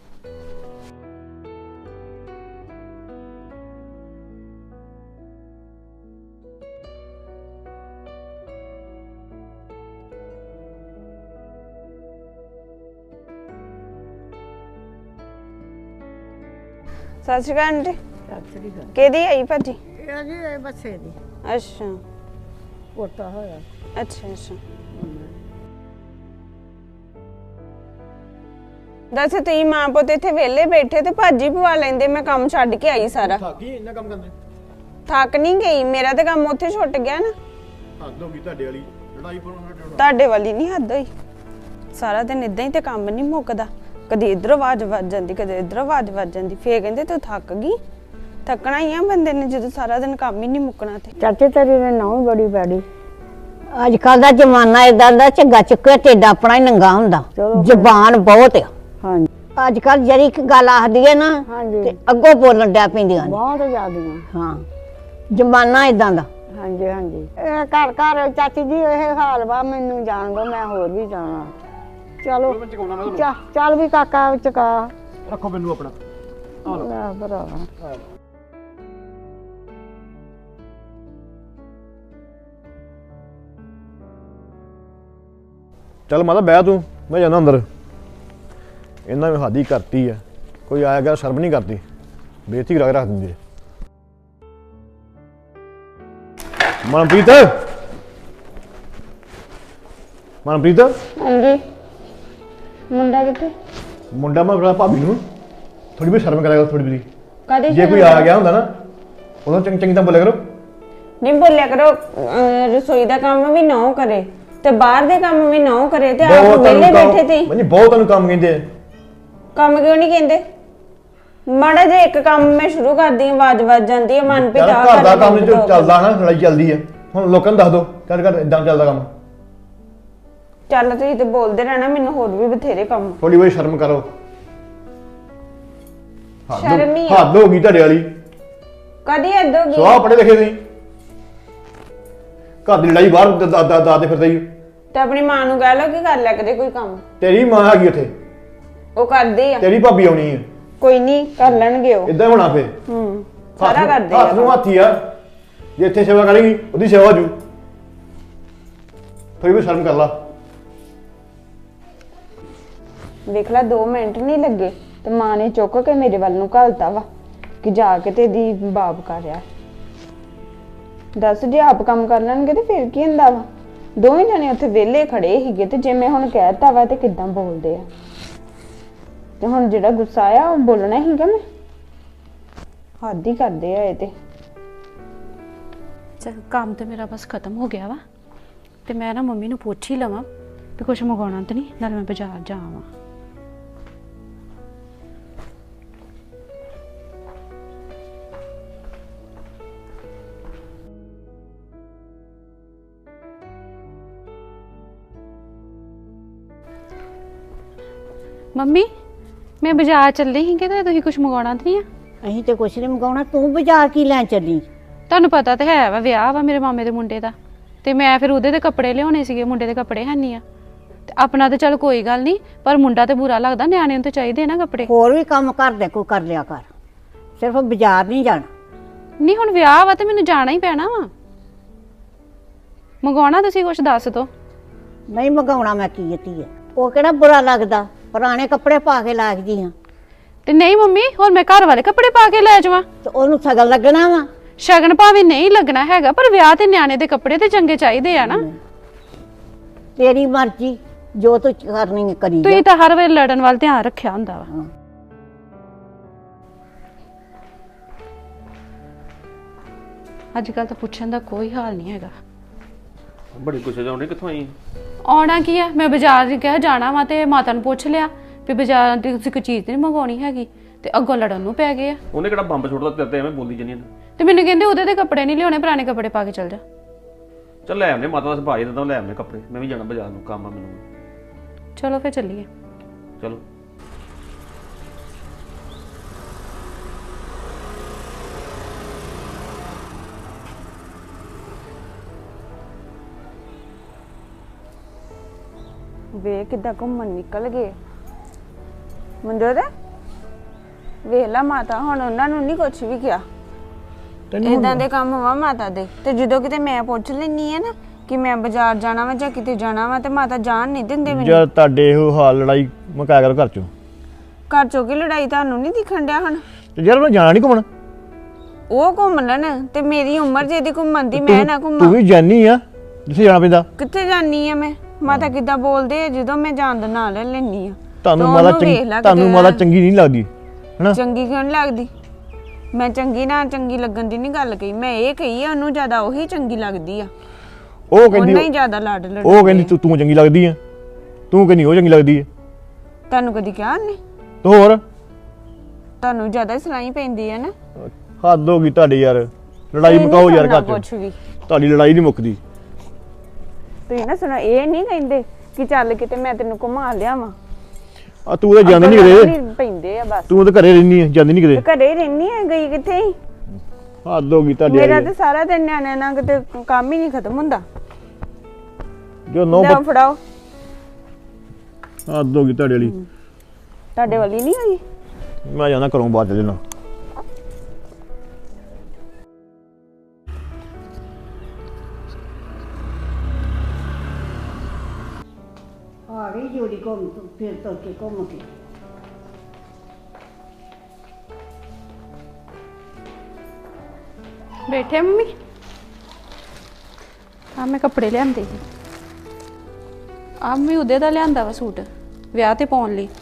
D: ਸਤਿ ਸ਼੍ਰੀ ਅਕਾਲ ਆਂਟੀ। ਕਿਹਦੀ ਆਈ ਭਾਜੀ?
H: ਇਹ ਜੀ ਇਹ ਬੱਚੇ ਦੀ
D: ਅੱਛਾ
H: ਪੋਤਾ ਹੋਇਆ।
D: ਅੱਛਾ ਅੱਛਾ। ਦੱਸ ਤੁਸੀਂ ਮਾਂ ਪੁੱਤ ਇੱਥੇ ਵਿਹਲੇ ਬੈਠੇ ਤੇ ਭਾਜੀ ਪਵਾ ਲੈਂਦੇ, ਮੈਂ ਕੰਮ ਛੱਡ ਕੇ ਆਈ ਸਾਰਾ।
E: ਥੱਕ ਗਈ ਇੰਨਾ ਕੰਮ ਕਰਦੇ?
D: ਥੱਕ ਨਹੀਂ ਗਈ, ਮੇਰਾ ਤੇ ਕੰਮ ਉੱਥੇ ਛੁੱਟ ਗਿਆ ਨਾ।
E: ਹੱਦ ਹੋ ਗਈ ਤੁਹਾਡੇ ਵਾਲੀ, ਲੜਾਈ ਪਾਉਣਾ।
D: ਤੁਹਾਡੇ ਵਾਲੀ ਨਹੀਂ ਹੱਦ ਹੋਈ। ਸਾਰਾ ਦਿਨ ਇਦਾਂ ਹੀ ਤੇ ਕੰਮ ਨਹੀਂ ਮੁੱਕਦਾ, ਕਦੇ ਇੱਧਰ ਆਵਾਜ਼ ਵੱਜ ਜਾਂਦੀ, ਕਦੇ ਇੱਧਰ ਆਵਾਜ਼ ਵੱਜ ਜਾਂਦੀ। ਫੇਰ ਕਹਿੰਦੇ ਤੂੰ ਥੱਕ ਗਈ। ਥੱਕਣਾ ਹੀ ਆ ਬੰਦੇ ਨੇ ਜਦੋਂ ਸਾਰਾ ਦਿਨ ਕੰਮ ਹੀ ਨਹੀਂ ਮੁੱਕਣਾ। ਤੇ
H: ਚਾਚੇ ਤੇਰੀ ਨੇ ਨੌਂ ਬੜੀ ਬੈੜੀ।
A: ਅੱਜ ਕੱਲ ਦਾ ਜ਼ਮਾਨਾ ਇਦਾਂ ਦਾ, ਝੱਗਾ ਚੁੱਕਿਆ ਢਿੱਡ ਆਪਣਾ ਹੀ ਨੰਗਾ ਹੁੰਦਾ। ਜ਼ਬਾਨ ਬਹੁਤ ਆ।
H: ਹਾਂਜੀ
A: ਅੱਜ ਕੱਲ ਜਿਹੜੀ ਇੱਕ ਗੱਲ ਆਖਦੀ ਹੈ ਨਾ
H: ਹਾਂਜੀ
A: ਤੇ ਅੱਗੋਂ ਬੋਲਣ ਡਿਆ ਪੈਂਦੀਆਂ ਨੇ।
H: ਬਹੁਤ ਜ਼ਿਆਦੀਆਂ।
A: ਹਾਂ ਜ਼ਮਾਨਾ ਇਦਾਂ ਦਾ।
H: ਹਾਂਜੀ ਹਾਂਜੀ ਇਹ ਘਰ ਘਰ ਚਾਚੀ ਜੀ ਇਹ ਹਾਲ ਵਾ। ਮੈਨੂੰ ਜਾਣ ਦੋ, ਮੈਂ ਹੋਰ ਵੀ ਜਾਣਾ। ਚਲੋ
E: ਮੈਂ ਚਕਾਉਣਾ ਮੈਂ
H: ਚਾ ਚੱਲ ਵੀ ਕਾਕਾ ਚਕਾ
E: ਰੱਖੋ ਮੈਨੂੰ ਆਪਣਾ।
H: ਲੈ ਭਰਾ।
E: ਚੱਲ ਮਾਤਾ ਬਹਿ ਤੂੰ, ਮੈਂ ਜਾਣਾ ਅੰਦਰ। ਇਹਨਾਂ ਨੇ ਹਾਦੀ ਕਰਤੀ ਆ, ਕੋਈ ਆਇਆ ਗਿਆ ਸ਼ਰਮ ਨਹੀਂ ਕਰਦੀ, ਬੇਇੱਜ਼ਤੀ ਕਰਾ ਕੇ ਰੱਖ ਦਿੰਦੀ ਹੈ। ਮਨਪ੍ਰੀਤ, ਮਨਪ੍ਰੀਤ
H: ਹਾਂਜੀ ਮੁੰਡਾ ਕਿੱਥੇ?
E: ਮੁੰਡਾ ਮੈਂ ਬੜਾ ਭਾਬੀ ਨੂੰ ਥੋੜੀ ਵੀ ਸ਼ਰਮ ਕਰਿਆ ਕਰੋ, ਥੋੜੀ ਵੀ।
H: ਕਦੇ
E: ਜੇ ਕੋਈ ਆ ਗਿਆ ਹੁੰਦਾ ਨਾ ਉਦੋਂ ਚੰਗੀ ਚੰਗੀ ਤਾਂ ਬੋਲਿਆ ਕਰੋ।
D: ਨਹੀਂ ਬੋਲਿਆ ਕਰੋ। ਅਹ ਰਸੋਈ ਦਾ ਕੰਮ ਵੀ ਨਾ ਕਰੇ ਤੇ ਬਾਹਰ ਦੇ ਕੰਮ ਵੀ ਨਾ ਕਰੇ ਤੇ ਆਪ ਵਿਹਲੇ ਬੈਠੇ ਤੇ
E: ਮੈਨੂੰ ਬਹੁਤ ਤੁਹਾਨੂੰ ਕੰਮ ਕਹਿੰਦੇ ਆ।
D: ਕੰਮ ਕਿਉਂ ਨਹੀਂ ਕਹਿੰਦੇ? ਮਾੜਾ ਜੇ ਇੱਕ ਕੰਮ ਮੈਂ ਸ਼ੁਰੂ ਕਰਦੀ ਹਾਂ ਆਵਾਜ਼ ਵੱਜ ਜਾਂਦੀ ਹੈ ਮਨ
E: ਯਾਰ
D: ਪਿਤਾ
E: ਘਰ ਦਾ ਕੰਮ ਜੋ ਚੱਲਦਾ ਨਾ ਲੜਾਈ ਚੱਲਦੀ ਆ ਹੁਣ ਲੋਕਾਂ ਨੂੰ ਦੱਸ ਦੋ ਕਰ ਕਰ ਇਦਾਂ ਚੱਲਦਾ ਕੰਮ।
D: ਚੱਲ ਤੁਸੀਂ ਤੇ ਬੋਲਦੇ ਰਹਿਣਾ ਮੈਨੂੰ ਹੋਰ ਵੀ ਬਥੇਰੇ ਕੰਮ।
E: ਥੋੜੀ ਬਹੁਤੀ ਸ਼ਰਮ ਕਰੋ। ਹੱਦ-
D: ਸ਼ਰਮ ਹੀ ਆ।
E: ਹੱਦ ਹੋ ਗਈ ਤੁਹਾਡੇ ਵਾਲੀ।
D: ਕਦੀ ਏਦਾਂ ਹੋ
E: ਸਵਾਹ
D: ਗਈ
E: ਪੜੇ ਲਿਖੇ ਨਹੀਂ ਘਰ ਦੀ ਲੜਾਈ ਬਾਹਰ ਦਾਦੇ ਫਿਰਦੇ ਹੀ।
D: ਤੇ ਆਪਣੀ ਮਾਂ ਨੂੰ ਕਹਿ ਲਓ ਕਿ ਕਰ ਲਿਆ ਕਦੇ ਕੋਈ ਕੰਮ।
E: ਤੇਰੀ ਮਾਂ ਹੈਗੀ ਉੱਥੇ
D: ਉਹ ਕਰਦੇ ਆ
E: ਤੇਰੀ ਭਾਬੀ ਆਉਣੀ ਹੈ
D: ਕੋਈ ਨਹੀਂ ਕਰ ਲੈਣਗੇ ਉਹ।
E: ਇਦਾਂ ਹੋਣਾ ਫੇ
D: ਹੂੰ ਸਾਰਾ ਕਰਦੇ
E: ਹੱਥ ਨੂੰ
D: ਆ।
E: ਹੱਥੀ ਆ ਜੇ ਇੱਥੇ ਸੇਵਾ ਕਰੇਗੀ ਉਹਦੀ ਸੇਵਾ ਹੋ ਜੂ। ਥੋੜੀ ਬਹੁਤ ਸ਼ਰਮ ਕਰ ਲਾ।
D: ਵੇਖ ਲੈ ਦੋ ਮਿੰਟ ਨਹੀਂ ਲੱਗੇ ਤੇ ਮਾਂ ਨੇ ਚੁੱਕ ਕੇ ਮੇਰੇ ਵੱਲ ਨੂੰ ਘਲਤਾ ਵਾ ਕਿ ਜਾ ਕੇ ਤੇ ਦੀ ਬਾਪ ਕਰ ਰਿਹਾ। ਦੱਸ ਜੇ ਆਪ ਕੰਮ ਕਰ ਲੈਣਗੇ ਤੇ ਫਿਰ ਕੀ ਹੁੰਦਾ ਵਾ। ਦੋਵੇਂ ਜਣੇ ਉੱਥੇ ਵਿਹਲੇ ਖੜੇ ਸੀਗੇ ਤੇ ਜੇ ਮੈਂ ਹੁਣ ਕਹਿਤਾ ਵਾ ਤੇ ਕਿੱਦਾਂ ਬੋਲਦੇ ਆ। ਤੇ ਹੁਣ ਜਿਹੜਾ ਗੁੱਸਾ ਆ ਉਹ ਬੋਲਣਾ ਹੀਗਾ ਮੈਂ। ਹੱਦ ਹੀ ਕਰਦੇ ਆ ਇਹ ਤੇ।
C: ਚਲ ਕੰਮ ਤੇ ਮੇਰਾ ਬਸ ਖਤਮ ਹੋ ਗਿਆ ਵਾ ਤੇ ਮੈਂ ਨਾ ਮੰਮੀ ਨੂੰ ਪੁੱਛ ਹੀ ਲਵਾਂ ਵੀ ਕੁਛ ਮੰਗਾਉਣਾ ਤਾਂ ਨਹੀਂ ਨਾਲ ਮੈਂ ਬਾਜ਼ਾਰ ਜਾਵਾਂ। ਮੰਮੀ ਮੈਂ ਬਾਜ਼ਾਰ ਚੱਲੀ ਸੀ ਕਿ ਤੁਸੀਂ ਕੁਝ ਮੰਗਾਉਣਾ ਤਾਂ ਨਹੀਂ ਆ?
A: ਅਸੀਂ ਤੇ ਕੁਛ ਨਹੀਂ ਮੰਗਾਉਣਾ। ਤੂੰ ਬਾਜ਼ਾਰ ਕੀ ਲੈਣ ਚੱਲੀ?
C: ਤੁਹਾਨੂੰ ਪਤਾ ਤਾਂ ਹੈ ਵਾ ਵਿਆਹ ਵਾ ਮੇਰੇ ਮਾਮੇ ਦੇ ਮੁੰਡੇ ਦਾ ਤੇ ਮੈਂ ਫਿਰ ਉਹਦੇ ਦੇ ਕੱਪੜੇ ਲਿਆਉਣੇ ਸੀਗੇ। ਮੁੰਡੇ ਦੇ ਕੱਪੜੇ ਹੈ ਨਹੀਂ ਆ ਤੇ ਆਪਣਾ ਤਾਂ ਚਲ ਕੋਈ ਗੱਲ ਨਹੀਂ ਪਰ ਮੁੰਡਾ ਤੇ ਬੁਰਾ ਲੱਗਦਾ। ਨਿਆਣੇ ਨੂੰ ਤਾਂ ਚਾਹੀਦੇ ਨਾ ਕੱਪੜੇ।
A: ਹੋਰ ਵੀ ਕੰਮ ਘਰ ਦੇ ਕੋਈ ਕਰ ਲਿਆ ਕਰ ਸਿਰਫ ਬਾਜ਼ਾਰ ਨਹੀਂ ਜਾਣਾ।
C: ਨਹੀਂ ਹੁਣ ਵਿਆਹ ਵਾ ਤੇ ਮੈਨੂੰ ਜਾਣਾ ਹੀ ਪੈਣਾ ਵਾ। ਮੰਗਾਉਣਾ ਤੁਸੀਂ ਕੁਝ ਦੱਸ ਦੋ।
A: ਨਹੀਂ ਮੰਗਾਉਣਾ ਮੈਂ ਕੀ ਧੀਏ। ਉਹ ਕਿਹੜਾ ਬੁਰਾ ਲੱਗਦਾ ਪੁਰਾਣੇ ਕੱਪੜੇ ਪਾ ਕੇ ਲੱਗਦੀ ਆ
C: ਤੇ ਨਹੀਂ ਮੰਮੀ ਹੋਰ ਮੈਂ ਘਰ ਵਾਲੇ ਕੱਪੜੇ ਪਾ ਕੇ ਲੈ ਜਾਵਾਂ
A: ਤੇ ਉਹਨੂੰ ਸਗਨ ਲੱਗਣਾ ਵਾ।
C: ਸ਼ਗਨ ਭਾਵੇਂ ਨਹੀਂ ਲੱਗਣਾ ਹੈਗਾ ਪਰ ਵਿਆਹ ਤੇ ਨਿਆਣੇ ਦੇ ਕੱਪੜੇ ਤੇ ਚੰਗੇ ਚਾਹੀਦੇ ਆ ਨਾ।
A: ਤੇਰੀ ਮਰਜ਼ੀ ਜੋ ਤੂੰ ਕਰਨੀ ਹੈ ਕਰੀ ਜਾ।
C: ਤੁਸੀਂ ਤਾਂ ਹਰ ਵੇਲੇ ਲੜਨ ਵੱਲ ਧਿਆਨ ਰੱਖਿਆ ਹੁੰਦਾ ਵਾ।
A: ਹਾਂ।
C: ਅੱਜ ਕੱਲ ਤਾਂ ਪੁੱਛਣ ਦਾ ਕੋਈ ਹਾਲ ਨਹੀਂ ਹੈਗਾ।
F: ਬੜੀ ਗੁੱਸੇ ਜਾਉਂਦੇ ਕਿੱਥੋਂ ਆਈ?
C: ਆਉਣਾ ਕੀ ਆ ਮੈਂ ਬਾਜ਼ਾਰ ਕਿਹਾ ਜਾਣਾ ਵਾ ਤੇ ਮਾਤਾ ਨੂੰ ਪੁੱਛ ਲਿਆ ਵੀ ਬਾਜ਼ਾਰ ਦੀ ਤੁਸੀਂ ਕੋਈ ਚੀਜ਼ ਨਹੀਂ ਮੰਗਾਉਣੀ ਹੈਗੀ ਤੇ ਅੱਗੋਂ ਲੜਨ ਨੂੰ ਪੈ ਗਏ ਆ।
F: ਉਹਨੇ ਕਿਹੜਾ ਬੰਬ ਛੋੜਦਾ ਤੇਰੇ ਤੇ ਐਵੇਂ ਬੋਲਦੀ ਜੰਨੀ।
C: ਤੇ ਮੈਨੂੰ ਕਹਿੰਦੇ ਉਹਦੇ ਤੇ ਕੱਪੜੇ ਨਹੀਂ ਲਿਆਉਣੇ ਪੁਰਾਣੇ ਕੱਪੜੇ ਪਾ ਕੇ ਚੱਲ ਜਾ।
F: ਚੱਲ ਲੈ ਆਉਂਦੇ ਮਾਤਾ ਦਾ ਸੁਭਾਅ ਹੀ ਦਿੰਦਾ ਲੈ ਆਉਂਦੇ ਕੱਪੜੇ। ਮੈਂ ਵੀ ਜਾਣਾ ਬਾਜ਼ਾਰ ਨੂੰ ਕੰਮ ਆ ਮੈਨੂੰ।
C: ਚਲੋ ਫਿਰ ਚੱਲੀਏ।
F: ਚਲੋ
D: ਵੇ ਕਿੱਦਾਂ ਘੁੰਮਣ ਨਿਕਲ ਗਏ ਮਨਜੋਤ। ਵੇਖ ਲਾ ਮਾਤਾ ਹੁਣ ਉਹਨਾਂ ਨੂੰ ਨਹੀਂ ਕੁਝ ਵੀ ਕਿਹਾ। ਇਦਾਂ ਦੇ ਕੰਮ ਵਾ ਮਾਤਾ ਦੇ। ਤੇ ਜਦੋਂ ਕਿਤੇ ਮੈਂ ਪੁੱਛ ਲੈਣੀ ਆ ਨਾ ਕਿ ਮੈਂ ਬਾਜ਼ਾਰ ਜਾਣਾ ਵਾ ਜਾਂ ਕਿਤੇ ਜਾਣਾ ਵਾ ਤੇ ਮਾਤਾ ਜਾਣ ਨਹੀਂ ਦਿੰਦੇ ਮੈਨੂੰ।
E: ਜਦ ਤੁਹਾਡੇ ਇਹੋ ਹਾਲ ਲੜਾਈ ਮੁਕਾਇਆ ਕਰੋ ਘਰ ਚੋਂ।
D: ਘਰ ਚੋਂ ਕੀ ਲੜਾਈ ਤੁਹਾਨੂੰ ਨਹੀਂ ਦਿਖਣ ਡਿਆ ਹੁਣ?
E: ਤੇ ਯਾਰ ਉਹਨੇ ਜਾਣਾ ਨਹੀਂ ਘੁੰਮਣ।
D: ਉਹ ਘੁੰਮ ਲੈਣ ਤੇ ਮੇਰੀ ਉਮਰ ਜੇ ਦੀ ਘੁੰਮਣ ਦੀ ਮੈਂ ਨਾ
E: ਤੂੰ
D: ਘੁੰਮਾਂ।
E: ਵੀ ਜਾਨੀ ਆ ਜਿੱਥੇ ਜਾਣਾ ਪੈਂਦਾ।
D: ਕਿੱਥੇ ਜਾਨੀ ਆ ਮੈਂ? ਮਾਤਾ ਕਿੱਦਾਂ ਬੋਲਦੇ ਆ ਜਦੋਂ ਮੈਂ ਜਾਣ ਦਾ ਨਾਂ ਲੈ ਲੈਣੀ ਆ।
E: ਤੁਹਾਨੂੰ ਮਾਤਾ ਚੰਗੀ ਤੁਹਾਨੂੰ ਮਾਤਾ ਚੰਗੀ ਨਹੀਂ ਲੱਗਦੀ ਹੈਨਾ?
D: ਚੰਗੀ ਕਿਉਂ ਨੀ ਲੱਗਦੀ? ਮੈਂ ਚੰਗੀ ਨਾ ਚੰਗੀ ਲੱਗਣ ਦੀ ਨਹੀਂ ਗੱਲ ਕਹੀ। ਮੈਂ ਇਹ ਕਹੀ ਆ ਉਹਨੂੰ ਜ਼ਿਆਦਾ ਉਹੀ ਚੰਗੀ ਲੱਗਦੀ ਆ।
E: ਉਹ ਕਹਿੰਦੀ
D: ਉਹਨਾਂ ਹੀ ਜ਼ਿਆਦਾ ਲਾਡ ਲੜ।
E: ਉਹ ਕਹਿੰਦੀ ਤੂੰ ਤੂੰ ਚੰਗੀ ਲੱਗਦੀ ਆ। ਤੂੰ ਕਹਿੰਦੀ ਉਹ ਚੰਗੀ ਲੱਗਦੀ ਆ।
D: ਤੁਹਾਨੂੰ ਕਦੀ ਕਿਹਾ ਨਹੀਂ?
E: ਤੇ ਹੋਰ
D: ਤੁਹਾਨੂੰ ਜ਼ਿਆਦਾ ਸਲਾਈ ਪੈਂਦੀ ਆ ਨਾ।
E: ਹੱਦ ਹੋ ਗਈ ਤੁਹਾਡੀ ਯਾਰ। ਲੜਾਈ ਮੁਕਾਓ ਯਾਰ ਘਰ
D: ਕੁਛ
E: ਚ।
D: ਵੀ
E: ਤੁਹਾਡੀ ਲੜਾਈ ਨਹੀਂ ਮੁੱਕਦੀ।
D: ਤੁਸੀਂ ਨਾ ਸੁਣੋ ਇਹ ਨਹੀਂ ਕਹਿੰਦੇ ਕਿ ਚੱਲ ਕਿਤੇ ਮੈਂ ਤੈਨੂੰ ਘੁਮਾ ਲਿਆਵਾਂ।
E: ਆ ਤੂੰ ਤਾਂ ਜਾਂਦੀ ਨਹੀਂ ਕਿਤੇ।
D: ਪੈਂਦੇ ਆ ਬਸ।
E: ਤੂੰ ਤਾਂ ਘਰੇ ਰਹਿਨੀ ਆ ਜਾਂਦੀ ਨਹੀਂ ਕਿਤੇ।
D: ਘਰੇ ਹੀ ਰਹਿਨੀ ਆ ਗਈ ਕਿੱਥੇ ਹੀ।
E: ਹੱਦ ਹੋ ਗਈ ਤੁਹਾਡੀ
D: ਮੇਰਾ ਤੇ ਸਾਰਾ ਦਿਨ ਨਿਆਣਿਆਂ ਨਾਲ ਕਿਤੇ ਕੰਮ ਹੀ ਨਹੀਂ ਖਤਮ ਹੁੰਦਾ।
E: ਜੋ ਨੋ
D: ਲਓ ਫੜਾਓ।
E: ਹੱਦ ਹੋ ਗਈ ਤੁਹਾਡੇ ਵਾਲੀ।
D: ਤੁਹਾਡੇ ਵਾਲੀ ਨਹੀਂ ਹੋਈ?
E: ਮੈਂ ਜਾਣਾ ਘਰੋਂ ਬਾਹਰ ਚੱਲ ਜਾਣਾ।
A: ਆ ਗਈ ਜੋੜੀ ਘੁੰਮ ਫਿਰ ਤੁਰ ਕੇ ਘੁੰਮ ਕੇ।
C: ਬੈਠੇ ਮੰਮੀ? ਆ ਮੈਂ ਕੱਪੜੇ ਲਿਆਂਦੇ ਸੀ। ਆ ਮੈਂ ਉਹਦੇ ਦਾ ਲਿਆਂਦਾ ਵਾ ਸੂਟ ਵਿਆਹ ਤੇ ਪਾਉਣ ਲਈ।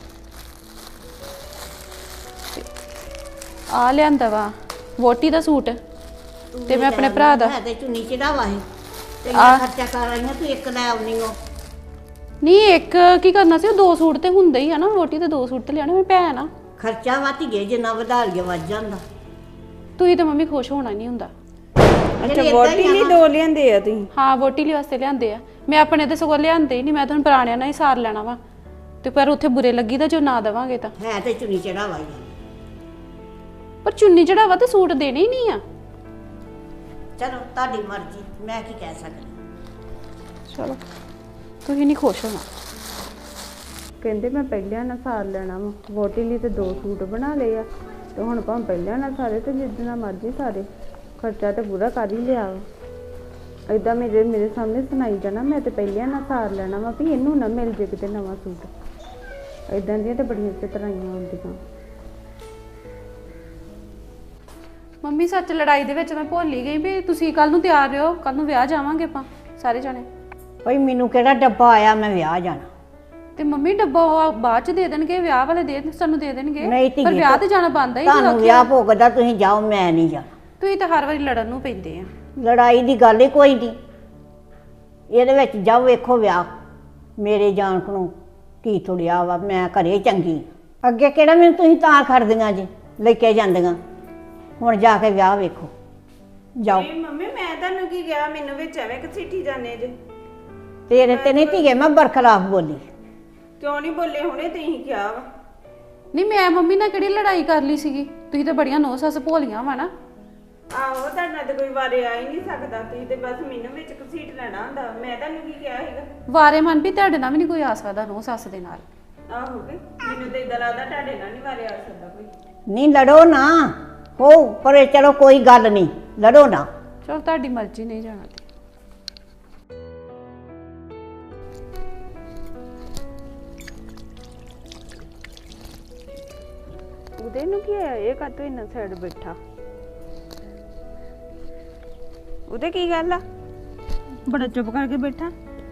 C: ਆ ਲਿਆਂਦਾ ਵਾ ਵੋਟੀ ਦਾ ਸੂਟ ਤੇ ਮੈਂ ਆਪਣੇ ਭਰਾ ਦਾ।
A: ਤੇ ਚੁੰਨੀ ਚੜਾਵਾ ਹੈ ਤੇ
C: ਆ
A: ਖਰਚਾ ਕਰ ਰਹੀਆਂ ਤੂੰ ਇੱਕ ਲੈ ਆਉਣੀ ਹੋ।
C: ਨਹੀਂ ਇੱਕ ਕੀ ਕਰਨਾ ਸੀ ਉਹ ਦੋ ਸੂਟ ਤੇ ਹੁੰਦੇ ਹੀ ਆ ਨਾ। ਵੋਟੀ ਤੇ ਦੋ ਸੂਟ ਤੇ ਲਿਆਣੇ। ਮੇਰੀ ਭੈਣ ਆ
A: ਖਰਚਾ ਵੱਧ ਗਏ ਜਿੰਨਾ ਵਧਾ ਲਿਆ ਵੱਧ ਜਾਂਦਾ।
C: ਤੁਸੀਂ ਤਾਂ ਮੰਮੀ ਖੁਸ਼ ਹੋਣਾ ਨਹੀਂ ਹੁੰਦਾ।
D: ਅੱਛਾ ਵੋਟੀ ਲਈ ਦੋ ਲਿਆਂਦੇ ਆ ਤੁਸੀਂ?
C: ਹਾਂ ਵੋਟੀ ਲਈ ਵਾਸਤੇ ਲਿਆਂਦੇ ਆ। ਮੈਂ ਆਪਣੇ ਤੇ ਸਗੋਂ ਲਿਆਂਦੇ ਹੀ ਨਹੀਂ, ਮੈਂ ਤੁਹਾਨੂੰ ਪੁਰਾਣਿਆਂ ਨਾਲ ਹੀ ਸਾਰ ਲੈਣਾ ਵਾ। ਤੇ ਪਰ ਉੱਥੇ ਬੁਰੇ ਲੱਗੀ ਦਾ ਜੋ ਨਾ ਦੇਵਾਂਗੇ ਤਾਂ।
A: ਹੈ ਤੇ ਚੁੰਨੀ ਚੜਾਵਾ ਹੀ
C: ਪਰ ਚੁੰਨੀ ਚੜਾਵਾ ਤੇ ਸੂਟ ਦੇਣੇ ਹੀ ਨਹੀਂ ਆ।
A: ਚਲੋ ਤੁਹਾਡੀ ਮਰਜ਼ੀ, ਮੈਂ ਕੀ ਕਹਿ ਸਕਦੀ।
C: ਚਲੋ ਤੁਸੀਂ ਨਹੀਂ ਖੁਸ਼ ਹੋਣਾ।
D: ਕਹਿੰਦੇ ਮੈਂ ਪਹਿਲਿਆਂ ਨਾਲ ਸਾਰ ਲੈਣਾ ਵਾ, ਵੋਟੀ ਲਈ ਤੇ ਦੋ ਸੂਟ ਬਣਾ ਲਏ ਆ ਤੇ ਹੁਣ ਭਾਵੇਂ ਪਹਿਲਿਆਂ ਨਾਲ ਸਾਰੇ ਤੇ ਜਿੱਦਣਾ ਮਰਜ਼ੀ ਸਾਰੇ, ਖਰਚਾ ਤੇ ਪੂਰਾ ਕਰ ਹੀ ਲਿਆ ਵਾ। ਏਦਾਂ ਮੇਰੇ ਮੇਰੇ ਸਾਹਮਣੇ ਸੁਣਾਈ ਜਾਣਾ ਮੈਂ ਤੇ ਪਹਿਲਿਆਂ ਨਾਲ ਸਾਰ ਲੈਣਾ ਵਾ ਵੀ ਇਹਨੂੰ ਨਾ ਮਿਲ ਜੇ ਕਿਤੇ ਨਵਾਂ ਸੂਟ। ਏਦਾਂ ਦੀਆਂ ਤੇ ਬੜੀਆਂ ਚਤਰਾਈਆਂ ਹੁੰਦੀਆਂ।
C: ਮੰਮੀ ਸੱਚ ਲੜਾਈ ਦੇ ਵਿੱਚ ਮੈਂ ਭੁੱਲ ਹੀ ਗਈ ਵੀ ਤੁਸੀਂ ਕੱਲ ਨੂੰ ਤਿਆਰ ਰਹੋ, ਕੱਲ ਨੂੰ ਵਿਆਹ ਜਾਵਾਂਗੇ ਆਪਾਂ ਸਾਰੇ ਜਾਣੇ।
A: ਭਾਈ ਮੈਨੂੰ ਕਿਹੜਾ ਡੱਬਾ ਆਇਆ ਮੈਂ ਵਿਆਹ ਜਾਣਾ।
C: ਤੇ ਮੰਮੀ ਡੱਬਾ ਉਹ ਬਾਅਦ ਚ ਦੇ ਦੇਣਗੇ, ਵਿਆਹ ਵਾਲੇ ਦੇ ਸਾਨੂੰ ਦੇ ਦੇਣਗੇ।
A: ਨਹੀਂ ਧੀਏ,
C: ਪਰ ਵਿਆਹ ਤੇ ਜਾਣਾ ਬਣਦਾ ਹੀ
A: ਤੁਹਾਨੂੰ ਵਿਆਹ ਭੋਗਦਾ, ਤੁਸੀਂ ਜਾਓ ਮੈਂ ਨਹੀਂ ਜਾਣਾ।
C: ਤੁਸੀਂ ਤਾਂ ਹਰ ਵਾਰੀ ਲੜਨ ਨੂੰ ਪੈਂਦੇ ਆ।
A: ਲੜਾਈ ਦੀ ਗੱਲ ਹੀ ਕੋਈ ਨਹੀਂ ਇਹਦੇ ਵਿੱਚ। ਜਾਓ ਵੇਖੋ ਵਿਆਹ, ਮੇਰੇ ਜਾਣ ਕੋਲੋਂ ਕੀ ਤੁੜਿਆ ਵਾ। ਮੈਂ ਘਰੇ ਚੰਗੀ, ਅੱਗੇ ਕਿਹੜਾ ਮੈਨੂੰ ਤੁਸੀਂ ਤਾਂ ਖੜਦੀਆਂ ਜੀ ਲੈ ਕੇ ਜਾਂਦੀਆਂ। ਹੁਣ ਜਾ ਕੇ ਵਿਆਹ ਵੇਖੋ, ਜਾਓ।
D: ਨਹੀਂ ਮੰਮੀ ਮੈਂ ਤੁਹਾਨੂੰ ਕੀ ਕਿਹਾ, ਮੈਨੂੰ ਵਿੱਚ ਐਵੇਂ ਘਸੀਟੀ ਜਾਂਦੇ ਜੇ।
A: ਤੇਰੇ ਤੇ ਨਹੀਂ ਧੀਏ ਮੈਂ ਬਰਖਲਾਫ ਬੋਲੀ।
D: ਕਿਉਂ ਨਹੀਂ ਬੋਲੇ, ਹੁਣੇ ਤੁਸੀਂ ਕਿਹਾ ਵਾ।
C: ਨਹੀਂ ਮੈਂ ਮੰਮੀ ਨਾਲ ਕਿਹੜੀ ਲੜਾਈ ਕਰ ਲਈ ਸੀਗੀ? ਤੁਸੀਂ ਤਾਂ ਬੜੀਆਂ ਨੌ ਸੱਸ ਭੋਲੀਆਂ ਵਾ ਨਾ।
D: ਆਹੋ ਤੁਹਾਡੇ ਨਾਲ ਤੇ ਕੋਈ ਵਾਰੇ ਆ ਹੀ ਨਹੀਂ ਸਕਦਾ, ਤੁਸੀਂ ਤੇ ਬਸ ਮੈਨੂੰ ਵਿੱਚ ਘਸੀਟ ਲੈਣਾ ਹੁੰਦਾ। ਮੈਂ ਤੁਹਾਨੂੰ ਕੀ ਕਿਹਾ ਸੀਗਾ?
C: ਵਾਰੇ ਮਨ ਵੀ ਤੁਹਾਡੇ ਨਾਲ ਵੀ ਨਹੀਂ ਕੋਈ ਆ ਸਕਦਾ ਨੌ ਸੱਸ ਦੇ ਨਾਲ।
D: ਆਹੋ ਕਿ ਮੈਨੂੰ ਤੇ ਇਦਾਂ ਲੱਗਦਾ ਤੁਹਾਡੇ ਨਾਲ ਨਹੀਂ ਵਾਰੇ ਆ ਸਕਦਾ ਕੋਈ।
A: ਨਹੀਂ ਲੜੋ ਨਾ, ਹੋ ਪਰ ਚਲੋ ਕੋਈ ਗੱਲ ਨਹੀਂ, ਲੜੋ ਨਾ।
C: ਚਲੋ ਤੁਹਾਡੀ ਮਰਜ਼ੀ, ਨਹੀਂ ਜਾਣਾ ਤੇ।
D: ਉਹਦੇ ਨੂੰ ਕੀ ਹੋਇਆ, ਇਹ ਕਾਤੋਂ ਇੰਨਾ ਸਾਈਡ ਬੈਠਾ? ਉਹਦੇ ਕੀ ਗੱਲ ਆ, ਬੜਾ ਚੁੱਪ ਕਰਕੇ ਬੈਠਾ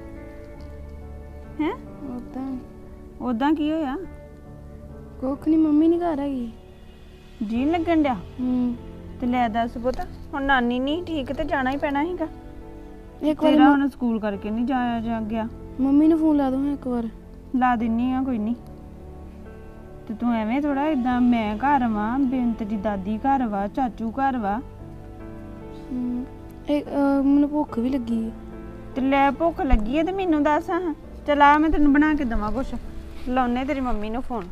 D: ਹੈ?
G: ਉਦਾਂ
D: ਉਦਾਂ ਕੀ ਹੋਇਆ?
G: ਕੁੱਖ ਨਹੀਂ, ਮੰਮੀ ਨਹੀਂ ਘਰ ਹੈਗੀ।
D: ਜੀ ਨੀ ਲੱਗਣ ਡਿਆ?
G: ਹੂੰ
D: ਤੇ ਲੈ ਦੱਸ ਪੁੱਤ, ਹੁਣ ਨਾਨੀ ਨਹੀਂ ਠੀਕ ਤੇ ਜਾਣਾ ਹੀ ਪੈਣਾ ਸੀਗਾ।
G: ਇੱਕ ਵਾਰ
D: ਤੇਰਾ ਹੁਣ ਸਕੂਲ ਕਰਕੇ ਨਹੀਂ ਜਾਇਆ ਜਾ ਗਿਆ।
G: ਮੰਮੀ ਨੂੰ ਫੋਨ ਲਾ ਦੋ ਇੱਕ ਵਾਰ।
D: ਲਾ ਦਿੰਨੀ ਆ, ਕੋਈ ਨਹੀਂ। ਤੇ ਤੂੰ ਐਵੇਂ ਥੋੜਾ ਇਦਾਂ, ਮੈਂ ਘਰ ਵਾਂ, ਬੇਅੰਤ ਦੀ ਦਾਦੀ ਘਰ ਵਾ, ਚਾਚੂ ਘਰ ਵਾ।
G: ਹੂੰ ਇਹ ਅਹ, ਮੈਨੂੰ ਭੁੱਖ ਵੀ ਲੱਗੀ ਹੈ।
D: ਤੇ ਲੈ ਭੁੱਖ ਲੱਗੀ ਹੈ ਤੇ ਮੈਨੂੰ ਦੱਸ ਹਾਂ। ਚਲ ਆ ਮੈਂ ਤੈਨੂੰ ਬਣਾ ਕੇ ਦੇਵਾਂ ਕੁਛ। ਲਾਉਨੇ ਤੇਰੀ ਮੰਮੀ ਨੂੰ ਫੋਨ।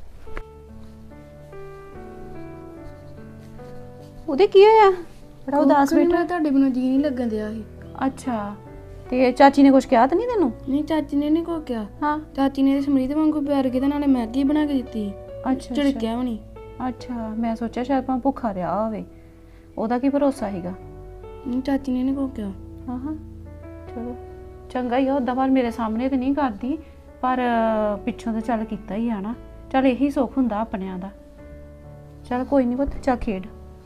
C: ਉਹਦੇ ਕੀ ਹੋਇਆ? ਬੜਾ ਉਦਾਸ
G: ਕੁੱਖ ਨੀ,
C: ਬੈਠਾ।
G: ਮੇਰਾ ਤੁਹਾਡੇ ਬਿਨਾਂ ਜੀ ਨਹੀਂ ਲੱਗਣ ਦਿਆ ਸੀ।
C: ਅੱਛਾ ਤੇ ਚਾਚੀ ਨੇ ਕੁਝ ਕਿਹਾ ਤਾਂ ਨਹੀਂ ਤੈਨੂੰ?
G: ਨਹੀਂ ਚਾਚੀ ਨੇ ਨਹੀਂ ਕੋਈ ਕਿਹਾ।
C: ਹਾਂ
G: ਚਾਚੀ ਨੇ ਸਮਰੀਤ ਵਾਂਗੂ ਪਿਆਰ ਕੀਤਾ, ਨਾਲੇ ਮੈਗੀ ਬਣਾ ਕੇ ਦਿੱਤੀ।
C: ਅੱਛਾ
G: ਝਿੜਕਿਆ ਵੀ ਨਹੀਂ।
C: ਅੱਛਾ ਮੈਂ ਸੋਚਿਆ ਸ਼ਾਇਦ ਭਾਵੇਂ ਭੁੱਖਾ ਰਿਹਾ ਹੋਵੇ, ਉਹਦਾ ਕੀ ਭਰੋਸਾ ਸੀਗਾ।
G: ਨਹੀਂ ਚਾਚੀ ਨੇ ਨਹੀਂ ਕੋਈ ਕਿਹਾ।
C: ਹਾਂ ਹਾਂ ਚਲੋ ਚੰਗਾ ਹੀ ਆ। ਉੱਦਾਂ ਪਰ ਮੇਰੇ ਸਾਹਮਣੇ ਤੇ ਨਹੀਂ ਕਰਦੀ, ਪਰ ਪਿੱਛੋਂ ਤਾਂ ਚੱਲ ਕੀਤਾ ਹੀ ਆ ਨਾ। ਚੱਲ ਇਹੀ ਸੁੱਖ ਹੁੰਦਾ ਆਪਣਿਆਂ ਦਾ। ਚੱਲ ਕੋਈ ਨਹੀਂ ਪੁੱਤ, ਚੱਲ ਖੇਡ।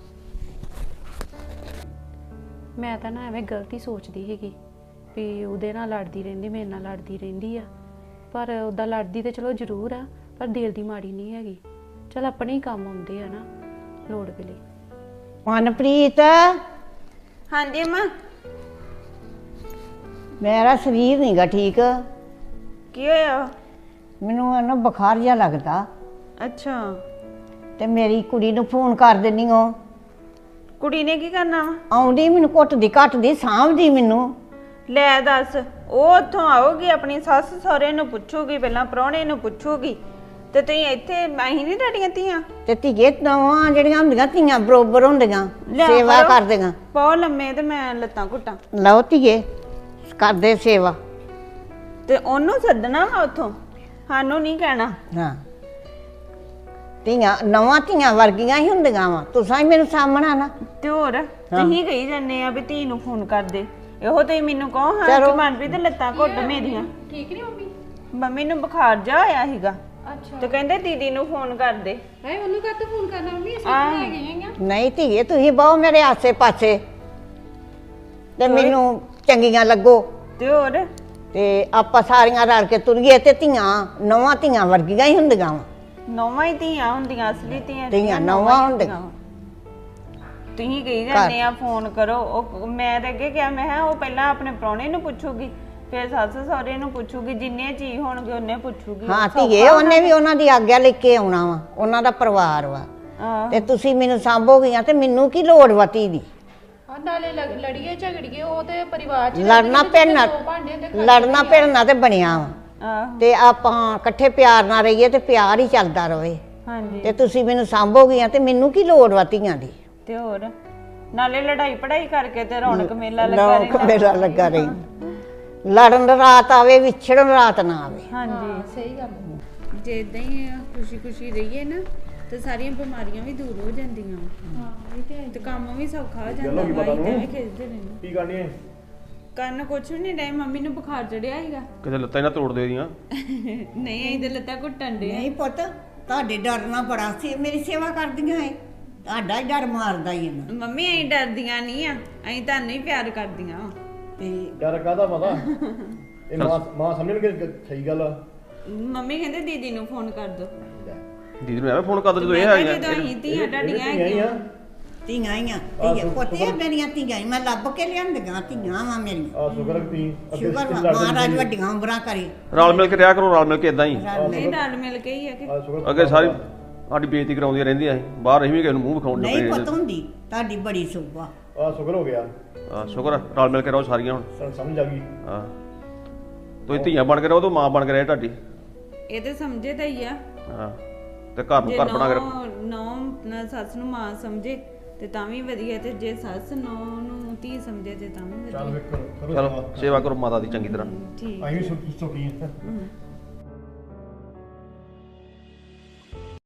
C: ਮੈਂ ਤਾਂ ਨਾ ਐਵੇਂ ਗਲਤੀ ਸੋਚਦੀ ਸੀਗੀ ਵੀ ਉਹਦੇ ਨਾਲ ਲੜਦੀ ਰਹਿੰਦੀ, ਮੇਰੇ ਨਾਲ ਲੜਦੀ ਰਹਿੰਦੀ ਆ। ਪਰ ਉੱਦਾਂ ਲੜਦੀ ਤੇ ਚਲੋ ਜ਼ਰੂਰ ਆ, ਪਰ ਦਿਲ ਦੀ ਮਾੜੀ ਨਹੀਂ ਹੈਗੀ। ਚੱਲ ਆਪਣੇ ਹੀ ਕੰਮ ਆਉਂਦੇ ਆ ਨਾ ਲੋੜ ਵੇਲੇ।
A: ਮਨਪ੍ਰੀਤ,
D: ਹਾਂਜੀ ਅੰਮਾ।
A: ਮੇਰਾ ਸਰੀਰ ਨਹੀਂਗਾ ਠੀਕ,
D: ਕੀ ਹੋਇਆ?
A: ਮੈਨੂੰ ਨਾ ਬੁਖਾਰ ਜਿਹਾ ਲੱਗਦਾ।
D: ਅੱਛਾ
A: ਤੇ ਮੇਰੀ ਕੁੜੀ ਨੂੰ ਫੋਨ ਕਰ ਦਿੰਨੀ ਓ।
D: ਕੁੜੀ ਨੇ ਕੀ ਕਰਨਾ ਵਾ?
A: ਆਉਂਦੀ ਮੈਨੂੰ ਘੁੱਟਦੀ ਘੱਟਦੀ ਸਾਂਭਦੀ ਮੈਨੂੰ।
D: ਲੈ ਦੱਸ, ਉਹ ਉੱਥੋਂ ਆਊਗੀ ਆਪਣੀ ਸੱਸ ਸਹੁਰੇ ਨੂੰ ਪੁੱਛੂਗੀ, ਪਹਿਲਾਂ ਪ੍ਰਾਹੁਣੇ ਨੂੰ ਪੁੱਛੂਗੀ, ਤੇ ਤੁਸੀਂ ਇੱਥੇ ਅਸੀਂ ਨਹੀਂ ਤੁਹਾਡੀਆਂ ਧੀਆਂ?
A: ਤੇ ਧੀਏ ਨਵਾਂ ਜਿਹੜੀਆਂ ਹੁੰਦੀਆਂ ਧੀਆਂ ਬਰੋਬਰ ਹੁੰਦੀਆਂ,
D: ਲਿਆ
A: ਸੇਵਾ
D: ਕਰੋ।
A: ਕਰਦੀਆਂ।
D: ਪਾਓ ਲੰਮੇ ਤੇ ਮੈਂ ਲੱਤਾਂ ਘੁੱਟਾਂ।
A: ਲਓ ਧੀਏ ਕਰਦੇ ਸੇਵਾ।
D: ਤੇ ਉਹਨੂੰ ਸੱਦਣਾ ਵਾ ਉੱਥੋਂ, ਸਾਨੂੰ ਨਹੀਂ ਕਹਿਣਾ।
A: ਹਾਂ ਧੀਆਂ ਨਵਾਂ ਧੀਆਂ ਵਰਗੀਆਂ ਹੀ ਹੁੰਦੀਆਂ ਵਾ। ਤੁਸੀਂ ਹੀ ਮੈਨੂੰ ਸਾਹਮਣਾ ਨਾ।
D: ਤੇ ਹੋਰ ਤੁਸੀਂ ਕਹੀ ਜਾਂਦੇ ਆ ਵੀ ਧੀ ਨੂੰ ਫੋਨ ਕਰਦੇ, ਇਹੋ ਤੇ ਮੈਨੂੰ ਕਹੋ ਹਾਂ
A: ਚਲੋ।
D: ਕਿ ਮਨਪ੍ਰੀਤ ਦੇ ਲੱਤਾਂ ਘੁੱਟ ਮੇਰੀਆਂ।
C: ਠੀਕ ਨਹੀਂ ਮੰਮੀ?
D: ਮੰਮੀ ਨੂੰ ਬੁਖਾਰ ਜਾ ਆਇਆ ਸੀਗਾ
C: ਅੱਛਾ
D: ਤੇ ਕਹਿੰਦੇ ਦੀਦੀ ਨੂੰ ਫੋਨ ਕਰਦੇ।
C: ਹੈ ਉਹਨੂੰ ਕਾਹਤੋਂ ਫੋਨ ਕਰਨਾ ਮੰਮੀ? ਅਸੀਂ
D: ਆਹ।
C: ਲੈ ਗਏ ਆ।
A: ਨਹੀਂ ਧੀਏ ਤੁਸੀਂ ਬਹੁ ਮੇਰੇ ਆਸੇ ਪਾਸੇ ਤੇ ਮੈਨੂੰ ਚੰਗੀਆਂ ਲੱਗੋ।
D: ਤੇ ਹੋਰ
A: ਤੇ ਆਪਾਂ ਸਾਰੀਆਂ ਰਲ ਕੇ ਤੁਰੀਏ ਤੇ ਧੀਆਂ ਨਵਾਂ ਧੀਆਂ ਵਰਗੀਆਂ ਹੀ ਹੁੰਦੀਆਂ ਵਾ।
D: ਨੌਵਾਂ ਹੀ ਧੀਆਂ ਹੁੰਦੀਆਂ, ਅਸਲੀ ਧੀਆਂ
A: ਧੀਆਂ ਨੌਵਾਂ
D: ਨੌਵਾਂ ਹੀ
A: ਹੁੰਦੀਆਂ।
D: ਵਾ। ਤੁਸੀਂ ਕਹੀ ਜਾਂਦੇ ਆ ਫੋਨ ਕਰੋ। ਉਹ ਮੈਂ ਤਾਂ ਅੱਗੇ ਕਿਹਾ, ਮੈਂ ਕਿਹਾ ਉਹ ਪਹਿਲਾਂ ਆਪਣੇ ਪ੍ਰਾਹੁਣੇ ਨੂੰ ਪੁੱਛੂਗੀ, ਫੇਰ ਸੱਸ ਸਹੁਰੇ ਨੂੰ ਪੁੱਛੂਗੀ, ਜਿੰਨੇ ਜੀ ਹੋਣਗੇ ਉਹਨੇ ਪੁੱਛੂਗੀ।
A: ਹਾਂ ਧੀਏ, ਉਹਨੇ ਵੀ ਉਹਨਾਂ ਦੀ ਆਗਿਆ ਲੈ ਕੇ ਆਉਣਾ ਵਾ, ਉਹਨਾਂ ਦਾ ਪਰਿਵਾਰ ਵਾ।
D: ਆਹ,
A: ਤੇ ਤੁਸੀਂ ਮੈਨੂੰ ਸਾਂਭੋਗੀਆਂ ਤੇ ਮੈਨੂੰ ਕੀ ਲੋੜ ਵਾ ਧੀ ਦੀ?
C: ਹਾਂ ਨਾਲੇ ਲੜ- ਲੜੀਏ ਝਗੜੀਏ ਉਹ ਤੇ ਪਰਿਵਾਰ ਚ
A: ਲੜਨਾ ਭਿੜਨਾ ਲੜਨਾ ਭਿੜਨਾ ਤੇ ਬਣਿਆ ਵਾ,
D: ਆਹ,
A: ਤੇ ਆਪਾਂ ਇਕੱਠੇ ਪਿਆਰ ਨਾਲ ਰਹੀਏ ਤੇ ਪਿਆਰ ਹੀ ਚੱਲਦਾ ਰਵੇ।
D: ਹਾਂਜੀ।
A: ਤੇ ਤੁਸੀਂ ਮੈਨੂੰ ਸਾਂਭੋਗੀਆਂ ਤੇ ਮੈਨੂੰ ਕੀ ਲੋੜ ਵਾ ਧੀਆਂ ਦੀ?
D: ਤੇ ਹੋਰ ਨਾਲੇ ਲੜਾਈ ਪੜਾਈ ਕਰਕੇ ਤੇ ਰੌਣਕ ਮੇਲਾ ਲੱਗਾ
A: ਰੌਣਕ
D: ਰਹਿੰਦਾ।
A: ਮੇਲਾ ਲੱਗਾ ਰਹੀ। ਲੜਨ ਰਾਤ ਆਵੇ, ਵਿਛੜਨ ਰਾਤ ਨਾ ਆਵੇ।
D: ਹਾਂਜੀ
C: ਸਹੀ ਗੱਲ ਹੈ।
B: ਜੇ ਇਦਾਂ ਹੀ ਖੁਸ਼ੀ ਖੁਸ਼ੀ ਰਹੀਏ ਨਾ ਤੇ ਸਾਰੀਆਂ ਬਿਮਾਰੀਆਂ ਵੀ ਦੂਰ ਹੋ ਜਾਂਦੀਆਂ
C: ਹਾਂ ਇਹ ਤੇ ਹੈ।
B: ਤੇ ਕੰਮ ਵੀ ਸੌਖਾ ਹੋ ਜਾਂਦਾ ਵਾ। ਇਦਾਂ ਵੀ ਖਿੱਚਦੇ ਰਹਿੰਦੇ
E: ਕੀ ਕਰਨੀ ਹੈ?
B: ਕੰਨ ਕੁਛ ਵੀ ਨਹੀਂ ਡੈ, ਮੰਮੀ ਨੂੰ ਬੁਖਾਰ ਚੜਿਆ ਸੀਗਾ।
F: ਕਿਤੇ ਲੱਤਾਂ ਹੀ ਨਾ ਤੋੜ ਦੇ ਦੀਆਂ।
B: ਨਹੀਂ ਅਸੀਂ ਤੇ ਲੱਤਾਂ ਘੁੱਟਣ ਦੇ।
A: ਨਹੀਂ ਪੁੱਤ, ਤੁਹਾਡੇ ਡਰਨਾ ਬੜਾ ਸੀ, ਮੇਰੀ ਸੇਵਾ ਕਰਦੀਆਂ ਏ, ਤੁਹਾਡਾ ਹੀ ਡਰ ਮਾਰਦਾ ਹੀ ਇਹਨਾਂ।
B: ਮੰਮੀ ਅਸੀਂ ਡਰਦੀਆਂ ਨਹੀਂ ਆ, ਅਸੀਂ ਤੁਹਾਨੂੰ ਹੀ ਪਿਆਰ ਕਰਦੀਆਂ ਵਾਂ।
A: ਤੇ
E: ਡਰ ਕਾਹਦਾ ਪਤਾ? ਇਹ ਮਾਂ ਮਾਂ ਸਮਝਣਗੇ ਕਿ ਸਹੀ ਗੱਲ ਆ।
B: ਮੰਮੀ ਕਹਿੰਦੇ ਦੀਦੀ ਨੂੰ ਫੋਨ ਕਰ ਦੋ।
F: ਦੀਦੀ ਨੂੰ ਐਵੇਂ ਫੋਨ ਕਰ ਦੋ ਜਦੋਂ ਇਹ
B: ਮੈਂ
F: ਆਈਆਂ।
B: ਕਿਹਾ ਜਦੋਂ ਅਸੀਂ ਧੀਆਂ ਤੁਹਾਡੀਆਂ
E: ਧੀਆਂ ਹੀ
B: ਹੈਗੀਆਂ।
E: ਆ।
A: ਧੀਆਂ ਆਈਆਂ, ਧੀਆਂ ਪੁੱਤੇ ਮੇਰੀਆਂ ਧੀਆਂ ਈ, ਮੈਂ ਲੱਭ ਕੇ ਲਿਆਂਦੀਆਂ ਧੀਆਂ ਵਾ ਮੇਰੀਆਂ।
E: ਆ ਸ਼ੁਕਰ ਤੀ ਅੱਗੇ
A: ਸ਼ੁਕਰ ਵਾ,
E: ਲੜਦੇ
A: ਮਹਾਰਾਜ
E: ਨਹੀਂ।
A: ਵੱਡੀਆਂ ਉਮਰਾਂ ਕਰੇ।
F: ਰਲ ਮਿਲ ਕੇ ਰਿਹਾ ਕਰੋ, ਰਲ ਮਿਲ ਕੇ ਇਦਾਂ ਹੀ।
B: ਨਹੀਂ ਰਲ ਮਿਲ ਕੇ ਹੀ ਆ ਕਿ
E: ਆ ਸ਼ੁਕਰ
F: ਅੱਗੇ ਸਾਰੀ ਸਾਡੀ ਬੇਇੱਜ਼ਤੀ ਕਰਾਉਂਦੀਆਂ ਰਹਿੰਦੀਆਂ ਸੀ, ਬਾਹਰ ਅਸੀਂ ਵੀ ਕਿਸੇ ਨੂੰ ਮੂੰਹ ਵਿਖਾਉਣ
A: ਨਹੀਂ
F: ਲੱਗੇ।
A: ਪੁੱਤ ਹੁੰਦੀ, ਤੁਹਾਡੀ ਬੜੀ ਸੁਭਾ।
E: ਆ ਸ਼ੁਕਰ ਹੋ ਗਿਆ,
F: ਆ ਸ਼ੁਕਰ ਆ, ਰਲ ਮਿਲ ਕੇ ਰਹੋ ਸਾਰੀਆਂ ਹੁਣ।
E: ਸਾਨੂੰ ਸਮਝ ਆ ਗਈ।
F: ਹਾਂ ਤੁਸੀਂ ਧੀਆਂ ਬਣ ਕੇ ਰਹੋ ਤੇ ਮਾਂ ਬਣ ਕੇ ਰਹੇ ਤੁਹਾਡੀ।
B: ਇਹ ਤੇ ਸਮਝੇ ਤਾਂ ਹੀ ਆ।
F: ਹਾਂ ਤੇ ਘਰ ਨੂੰ
B: ਜੇ
F: ਘਰ ਬਣਾ ਕੇ ਰੱਖੋ।
B: ਨੌ ਨਾ ਸੱਸ ਨੂੰ ਮਾਂ ਸਮਝੇ ਤੇ ਤਾਂ ਵੀ ਵਧੀਆ, ਤੇ ਜੇ ਸੱਸ ਨੌ ਨੂੰ ਧੀ ਸਮਝੇ ਤੇ ਤਾਂ ਵੀ
E: ਚੱਲ
B: ਵਧੀਆ।
E: ਵੇਖ ਕਰੋ
F: ਚਲੋ ਸੇਵਾ ਕਰੋ ਮਾਤਾ ਦੀ ਚੰਗੀ ਤਰ੍ਹਾਂ।
B: ਠੀਕ
E: ਅਸੀਂ ਵੀ ਸੁਖੀ ਹਾਂ।